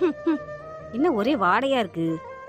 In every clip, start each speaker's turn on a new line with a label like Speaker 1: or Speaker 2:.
Speaker 1: என்ன ஒரே வாடையா இருக்கு?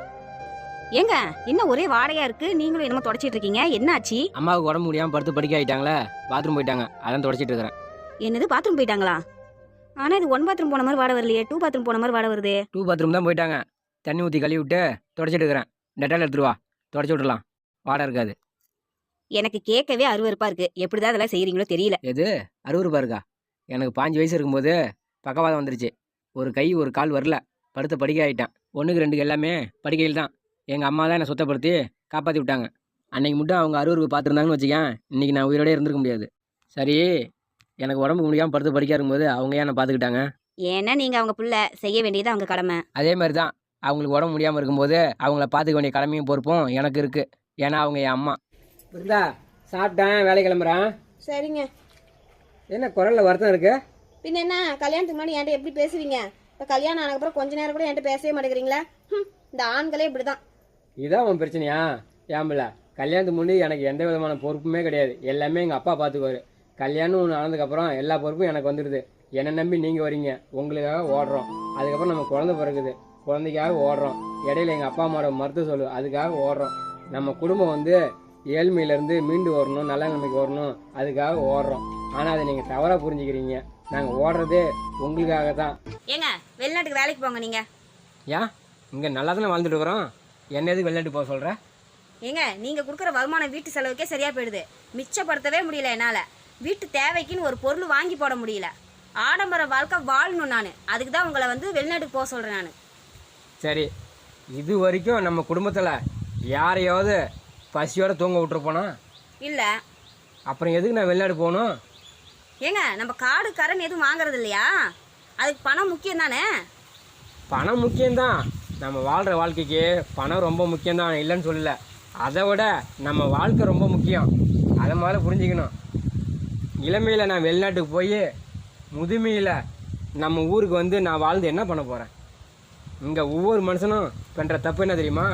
Speaker 1: ஏங்க என்ன ஒரே வாடையா இருக்கு? நீங்களும் என்னமோ தொடச்சிட்டு இருக்கீங்க, என்ன ஆச்சு?
Speaker 2: அம்மாவுக்கு உடம்பு முடியாம படுத்து படிக்க ஆயிட்டாங்களே, பாத்ரூம் போயிட்டாங்க, அதான் தொடச்சிட்டு இருக்கிறேன்.
Speaker 1: என்னது பாத்ரூம் போயிட்டாங்களா? ஆனா இது 1 பாத்ரூம் போன மாதிரி வாட வரலையே, 2 பாத்ரூம் போன மாதிரி வாட வருதே.
Speaker 2: 2 பாத்ரூம் தான் போயிட்டாங்க. தண்ணி ஊற்றி கழுவி விட்டு தொடச்சிட்டு இருக்கிறேன். டெட்டால் எடுத்துட்டு வா, தொடச்சி விட்டுலாம், வாடை இருக்காது.
Speaker 1: எனக்கு கேட்கவே அருவருப்பா இருக்கு. எப்படிதான் அதெல்லாம் செய்யறீங்களோ தெரியல.
Speaker 2: எது அறுவருப்பா இருக்கா? எனக்கு 5 வயசு இருக்கும்போது பக்கவாதம் வந்துருச்சு. ஒரு கை ஒரு கால் வரல, படுத்த படிக்க ஆகிட்டேன். 1க்கு 2க்கு எல்லாமே படிக்கையில் தான். எங்கள் அம்மா தான் என்னை சுத்தப்படுத்தி காப்பாற்றி விட்டாங்க. அன்னைக்கு மட்டும் அவங்க அறுவருப்பு பார்த்துருந்தாங்கன்னு வச்சுக்கேன், இன்றைக்கி நான் உயிரோடே இருந்திருக்க முடியாது. சரி, எனக்கு உடம்பு முடியாமல் படுத்து படிக்க இருக்கும்போது அவங்க ஏன் என்னை பார்த்துக்கிட்டாங்க?
Speaker 1: ஏன்னா நீங்க அவங்க புள்ள, செய்ய வேண்டியது அவங்க கடமை.
Speaker 2: அதே மாதிரி தான் அவங்களுக்கு உடம்பு முடியாமல் இருக்கும்போது அவங்கள பார்த்துக்க வேண்டிய கடமையும் பொறுப்பும் எனக்கு இருக்குது. ஏன்னா அவங்க என் அம்மா. இருந்தா சாப்பிட்டேன், வேலை கிளம்புறேன்.
Speaker 3: சரிங்க.
Speaker 2: என்ன குரலில் வருத்தம் இருக்கு?
Speaker 3: பின்ன என்ன, கல்யாணத்துக்கு முன்னாடி என்கிட்ட எப்படி பேசுவீங்க? இப்போ கல்யாணம் ஆனதுக்கப்புறம் கொஞ்ச நேரம் கூட என்கிட்ட பேசவே மாட்டேங்கிறீங்களா? இந்த ஆண்களே இப்படி தான்.
Speaker 2: இதான் உன் பிரச்சனையா? ஏம்பில்ல, கல்யாணத்துக்கு முன்னாடி எனக்கு எந்த விதமான பொறுப்புமே கிடையாது. எல்லாமே எங்கள் அப்பா பார்த்துக்குவாரு. கல்யாணம் ஒன்று ஆனதுக்கப்புறம் எல்லா பொறுப்பும் எனக்கு வந்துடுது. என்னை நம்பி நீங்கள் வரீங்க, உங்களுக்காக ஓடுறோம். அதுக்கப்புறம் நம்ம குழந்தை பிறகுது, குழந்தைக்காக ஓடுறோம். இடையில எங்கள் அப்பா அம்மாவோட மருத்துவ சொல்லு, அதுக்காக ஓடுறோம். நம்ம குடும்பம் வந்து ஏழ்மையிலேருந்து மீண்டு வரணும், நல்ல நிலைமைக்கு வரணும், அதுக்காக ஓடுறோம். ஆனால் அதை நீங்கள் தவறாக புரிஞ்சுக்கிறீங்க. நாங்கள் ஓடுறதே உங்களுக்காக தான்.
Speaker 1: ஏங்க வெளிநாட்டுக்கு வேலைக்கு போங்க நீங்க.
Speaker 2: ஏன் இங்கே நல்லா தானே வாழ்ந்துட்டு இருக்கிறோம், என்ன எதுக்கு வெளிநாட்டு போக சொல்கிற?
Speaker 1: ஏங்க நீங்க கொடுக்குற வருமானம் வீட்டு செலவுக்கே சரியா போயிடுது. மிச்சப்படுத்தவே முடியல என்னால. வீட்டு தேவைக்குன்னு ஒரு பொருள் வாங்கி போட முடியல. ஆடம்பர வாழ்க்கை வாழணும் நான். அதுக்கு தான் உங்களை வந்து வெளிநாட்டுக்கு போக சொல்கிறேன் நான்.
Speaker 2: சரி, இது வரைக்கும் நம்ம குடும்பத்தில் யாரையாவது பசியோடு தூங்க விட்டுருப்போனா?
Speaker 1: இல்லை.
Speaker 2: அப்புறம் எதுக்கு நான் வெளிநாடு போகணும்?
Speaker 1: ஏங்க நம்ம காடு கரன் எதுவும் வாங்குறது இல்லையா? அதுக்கு பணம் முக்கியம் தானே?
Speaker 2: பணம் முக்கியம்தான். நம்ம வாழ்கிற வாழ்க்கைக்கு பணம் ரொம்ப முக்கியம்தான், இல்லைன்னு சொல்லல. அதை விட நம்ம வாழ்க்கை ரொம்ப முக்கியம். அதை மாதிரி புரிஞ்சுக்கணும். இளமையில் நான் வெளிநாட்டுக்கு போய் முதுமையில் நம்ம ஊருக்கு வந்து நான் வாழ்ந்து என்ன பண்ண போகிறேன்? இங்கே ஒவ்வொரு மனுஷனும் பண்ணுற தப்பு என்ன தெரியுமா?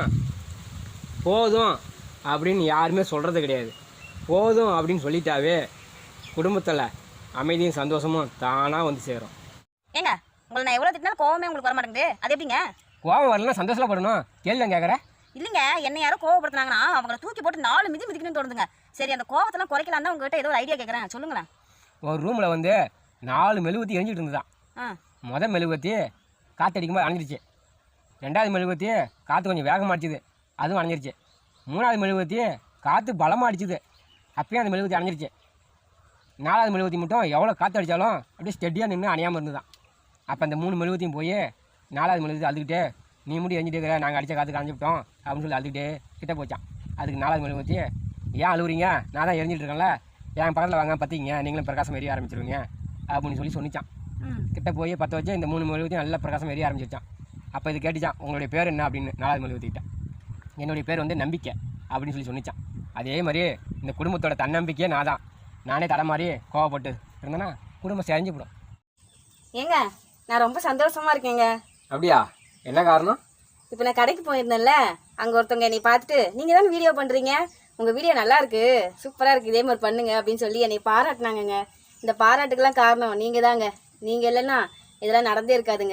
Speaker 2: போதும் அப்படின்னு யாருமே சொல்கிறது கிடையாது. போதும் அப்படின்னு சொல்லிட்டாவே குடும்பத்தில் அமைதியும் சந்தோஷமும் தானாக வந்து சேரும்.
Speaker 1: ஏங்க உங்களை நான் எவ்வளோ திட்டினாலும் கோவமே உங்களுக்கு வர மாட்டேங்குது. அது எப்படிங்க?
Speaker 2: கோவம் வரலாம், சந்தோஷப்படணும். கேள்வி நான் கேட்குறேன்.
Speaker 1: இல்லைங்க, என்ன யாரும் கோவப்படுத்தினாங்கன்னா அவங்கள தூக்கி போட்டு 4 மிதி மிதிக்கணும்னு தோணுதுங்க. சரி, அந்த கோவத்தெல்லாம் குறைக்கலாம் தான் உங்ககிட்ட ஏதோ ஒரு ஐடியா கேட்குறேன், சொல்லுங்களேன்.
Speaker 2: ஒரு ரூமில் வந்து 4 மெழுகுவத்தி எரிஞ்சிட்டு இருந்துதான். மொதல் மெழுகுவத்தி காற்றடிக்கும்போது அணைஞ்சிருச்சு. 2வது மெழுகுவத்தி காற்று கொஞ்சம் வேகமாக அடிச்சுது, அதுவும் அணைஞ்சிருச்சு. 3வது மெழுகுவத்தி காற்று பலமாக அடிச்சுது, அப்பயும் அந்த மெழுகுவத்தி அணைஞ்சிருச்சு. 4வது மெழுகுவத்தி மட்டும் எவ்வளோ காற்று அடித்தாலும் அப்படியே ஸ்டெடியாக நின்று அணையாமல் இருந்துதான். அப்போ அந்த 3 மெழுகுவத்தியும் போய் 4வது மெழுகுவத்தி அழுதுகிட்டே, நீ மட்டும் எரிஞ்சிட்டு இருக்கிற, நாங்கள் அடித்த காற்றுக்கு அணைஞ்சிவிட்டோம் அப்படின்னு சொல்லி அழுதுகிட்டே கிட்டே போச்சான். அதுக்கு 4வது மெழுகுவத்தி, ஏன் அழுகுறீங்க, நான் தான் எரிஞ்சிட்டு இருக்கேன்ல, என் பக்கத்தில் வாங்க பற்றிங்க, நீங்களும் பிரகாசம் எரிய ஆரம்பிச்சிருவீங்க அப்படின்னு சொல்லிச்சான். கிட்ட போய் 10 வச்சு இந்த 3 மெழுகுவத்தியும் நல்லா பிரகாசம் எரிய ஆரம்பிச்சிருச்சான். அப்போ இது கேட்டுச்சான், உங்களுடைய பேர் என்ன அப்படின்னு 4வது மெழுகுவத்திக்கிட்ட. என்னுடைய பேர் வந்து நம்பிக்கை அப்படின்னு சொல்லி சொன்னிச்சான். அதே மாதிரி இந்த குடும்பத்தோட தன்னம்பிக்கையே நான் தான். நானே தடை மாதிரி கோவப்பட்டு இருந்தேன்னா குடும்பம் செஞ்சு போடும்.
Speaker 1: ஏங்க நான் ரொம்ப சந்தோஷமா இருக்கேங்க.
Speaker 2: அப்படியா? என்ன காரணம்?
Speaker 1: இப்போ நான் கடைக்கு போயிருந்தேன்ல, அங்கே ஒருத்தவங்க என்னை பார்த்துட்டு, நீங்கள் தானே வீடியோ பண்ணுறீங்க, உங்கள் வீடியோ நல்லா இருக்கு, சூப்பராக இருக்குது, இதே மாதிரி பண்ணுங்க அப்படின்னு சொல்லி என்னை பாராட்டினாங்கங்க. இந்த பாராட்டுக்கெல்லாம் காரணம் நீங்கள் தாங்க. நீங்கள் இல்லைன்னா இதெல்லாம் நடந்தே இருக்காதுங்க.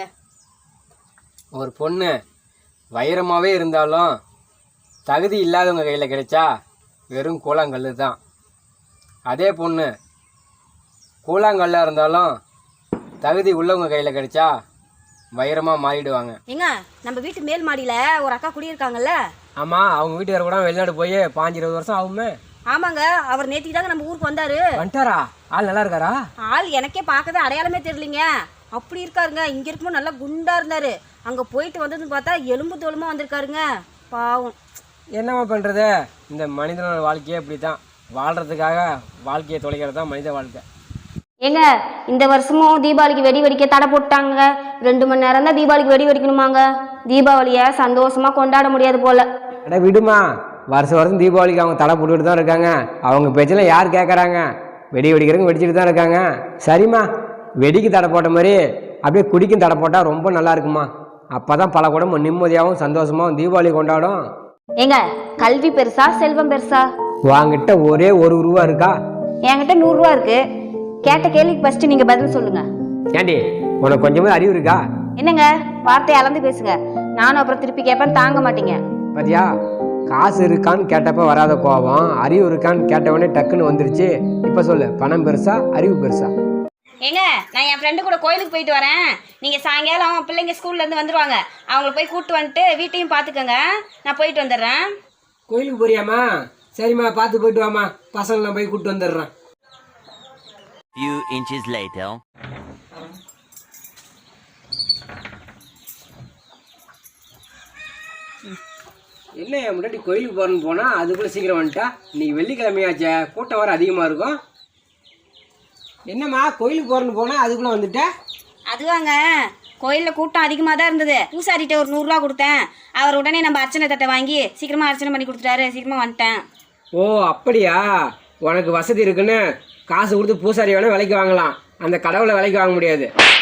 Speaker 2: ஒரு பொண்ணு வைரமாகவே இருந்தாலும் தகுதி இல்லாதவங்க கையில் கிடைச்சா வெறும் கூழாங்கல் தான். அதே பொண்ணு கூழாங்கல்லாக இருந்தாலும் தகுதி உள்ளவங்க கையில் கிடைச்சா வைரமாக மாறிடுவாங்க.
Speaker 1: ஏங்க நம்ம வீட்டு மேல் மாடியில் ஒரு அக்கா குடியிருக்காங்கல்ல?
Speaker 2: ஆமாம், அவங்க வீட்டுக்கார கூட வெளிநாடு போய் 15-20 வருஷம் ஆகுமே.
Speaker 1: ஆமாங்க, அவர் நேற்றுக்கு தாங்க நம்ம ஊருக்கு வந்தாரு.
Speaker 2: வந்துட்டாரா? ஆள் நல்லா இருக்காரா?
Speaker 1: ஆள் எனக்கே பார்க்கவே அடையாளமே தெரியலிங்க. அப்படி இருக்காருங்க. இங்கே இருக்கும்போது நல்லா குண்டா இருந்தாரு, அங்கே போயிட்டு வந்ததுன்னு பார்த்தா எலும்பு தோலுமா வந்திருக்காருங்க. பாவம்.
Speaker 2: என்னம்மா பண்ணுறது, இந்த மனிதனோட வாழ்க்கையே இப்படி தான். வாழ்கிறதுக்காக வாழ்க்கையை தொலைக்கிறது தான் மனித வாழ்க்கை.
Speaker 4: ஏங்க இந்த வருஷமும் தீபாவளிக்கு வெடி வெடிக்க தடை போட்டாங்க. 2 மணி நேரம் தான் தீபாவளிக்கு வெடி வெடிக்கணுமாங்க. தீபாவளியை சந்தோஷமா கொண்டாட முடியாது போல.
Speaker 2: அட விடுமா, வருஷம் தீபாவளிக்கு அவங்க தடை போட்டுக்கிட்டு தான் இருக்காங்க. அவங்க பேச்செல்லாம் யார் கேட்குறாங்க? வெடி வெடிக்கிறவங்க வெடிச்சுட்டு தான் இருக்காங்க. சரிம்மா, வெடிக்கு தடை போட்ட மாதிரி அப்படியே குடிக்கும் தடை போட்டால் ரொம்ப நல்லா இருக்குமா. அப்போ தான் பல குடும்பம் நிம்மதியாகவும் சந்தோஷமாகவும் தீபாவளி கொண்டாடும்.
Speaker 4: ஏங்க கல்வி பெருசா செல்வம் பெருசா?
Speaker 2: வாங்கிட்ட ஒரே 1 ரூபா இருக்கா?
Speaker 4: என்கிட்ட 100 ரூபா இருக்கு. கேட்ட கேள்விக்கு ஃபர்ஸ்ட் நீங்க பதில் சொல்லுங்க.
Speaker 2: ஏண்டி, உனக்கு கொஞ்சமாவது அறிவு இருக்கா?
Speaker 4: என்னங்க வார்த்தையை அளந்து பேசுங்க. நானும் அப்புறம் திருப்பி கேட்பேன், தாங்க மாட்டீங்க.
Speaker 2: பாத்தியா, காசு இருக்கான்னு கேட்டப்ப வராத கோபம் அறிவு இருக்கான்னு கேட்டவொடனே டக்குன்னு வந்துருச்சு. இப்போ சொல்லு, பணம் பெருசா அறிவு பெருசா?
Speaker 1: ஏங்க, நான் என் ஃப்ரெண்டு கூட கோயிலுக்கு போயிட்டு வரேன். நீங்கள் சாயங்காலம் பிள்ளைங்க ஸ்கூல்லேருந்து வந்துடுவாங்க. அவங்கள போய் கூப்பிட்டு வந்துட்டு வீட்டையும் பார்த்துக்கோங்க. நான் போயிட்டு வந்துடுறேன்.
Speaker 2: கோயிலுக்கு போறியாம்மா? சரிம்மா, பார்த்து போயிட்டு வாம்மா. பசங்களை நான் போய் கூப்பிட்டு வந்துடுறேன்.
Speaker 5: Few inches later.
Speaker 2: என்ன முன்னாடி கோயிலுக்கு போகிறேன்னு போனால் அதுக்குள்ளே சீக்கிரம் வந்துட்டா. இன்னைக்கு வெள்ளிக்கிழமையாச்சே, கூட்டம் வர அதிகமாக இருக்கும். என்னம்மா கோயிலுக்கு போகிறேன்னு போனால் அதுக்குள்ளே வந்துட்டேன்?
Speaker 1: அதுவாங்க, கோயிலில் கூட்டம் அதிகமாக தான் இருந்தது. பூசாரிகிட்ட ஒரு 100 ரூபா கொடுத்தேன். அவர் உடனே நம்ம அர்ச்சனை தட்டை வாங்கி சீக்கிரமாக அர்ச்சனை பண்ணி கொடுத்துட்டாரு. சீக்கிரமாக வந்துட்டேன்.
Speaker 2: ஓ அப்படியா? உனக்கு வசதி இருக்குன்னு காசு கொடுத்து பூசாரி வேணால் விலைக்கு வாங்கலாம், அந்த கடவுளை விலைக்கு வாங்க முடியாது.